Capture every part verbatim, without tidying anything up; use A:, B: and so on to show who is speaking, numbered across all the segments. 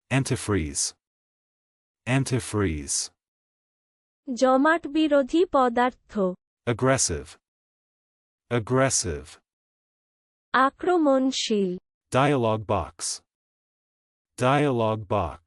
A: Antifreeze. Antifreeze.
B: জমাট বিরোধী পদার্থ।
A: Aggressive. Aggressive.
B: আক্রমণশীল।
A: Dialogue box. Dialogue box.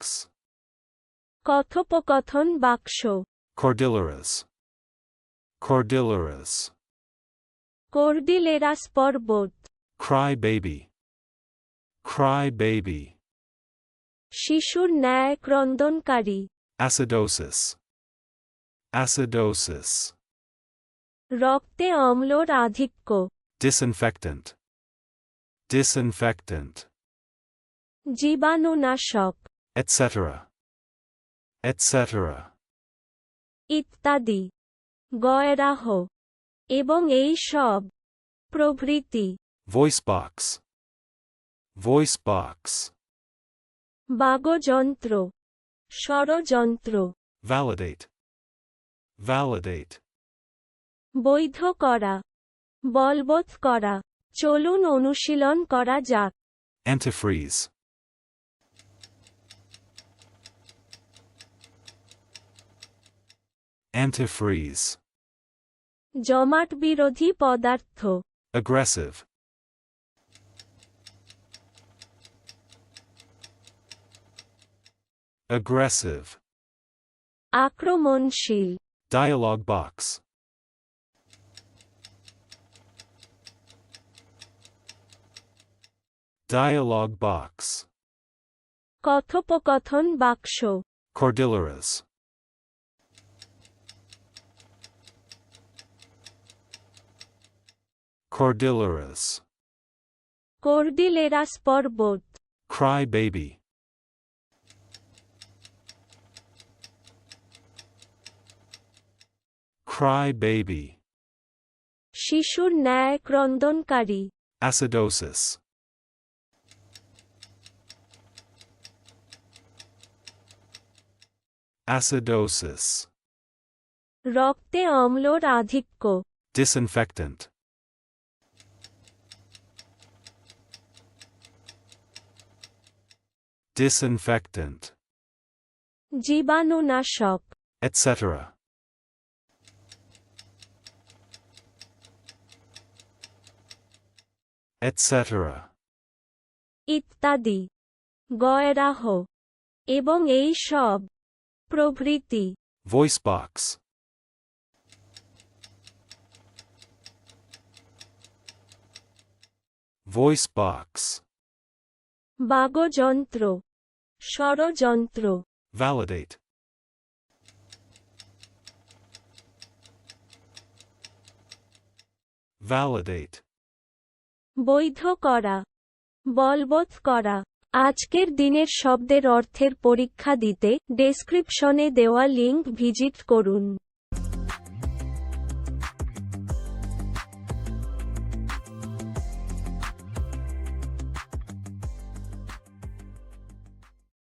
B: কথোপকথন বাক্স।
A: Cordilleras. Cordilleras.
B: কর্ডিলেরাস পর্বত।
A: Cry baby. Cry baby.
B: শিশুর ন্যায় ক্রন্দনকারী।
A: Acidosis. Acidosis.
B: রক্তে অম্লর আধিক্য।
A: Disinfectant. Disinfectant.
B: জীবাণুনাশক।
A: et cetera. et cetera.
B: ইত্যাদি। গয়রাহ। এবং এই সব। প্রভৃতি।
A: Voice box. Voice box.
B: বাগযন্ত্র। ষড়যন্ত্র।
A: Validate. Validate.
B: বৈধ করা। বলবৎ করা। চলুন অনুশীলন করা যাক।
A: Antifreeze. Antifreeze.
B: জমাট বিরোধী পদার্থ।
A: Aggressive. Aggressive.
B: আক্রমণশীল।
A: Dialogue box. Dialogue box.
B: কথোপকথন বাক্স।
A: Cordilleras. Cordilleras.
B: কর্ডিলেরাস পর্বত।
A: Cry baby. Cry baby.
B: শিশুর ন্যায় ক্রন্দনকারী।
A: Acidosis. Acidosis.
B: রক্তে অম্লর আধিক্য।
A: Disinfectant. Disinfectant.
B: জীবাণুনাশক।
A: et cetera. et cetera.
B: ইত্যাদি। গয়রাহ। এবং এই সব। প্রভৃতি।
A: Voice box. Voice box.
B: বাগযন্ত্র। ষড়যন্ত্র।
A: Validate. Validate.
B: বৈধ করা। বলবৎ করা। আজকের দিনের শব্দের অর্থের পরীক্ষা দিতে ডেসক্রিপশনে দেওয়া লিংক ভিজিট করুন।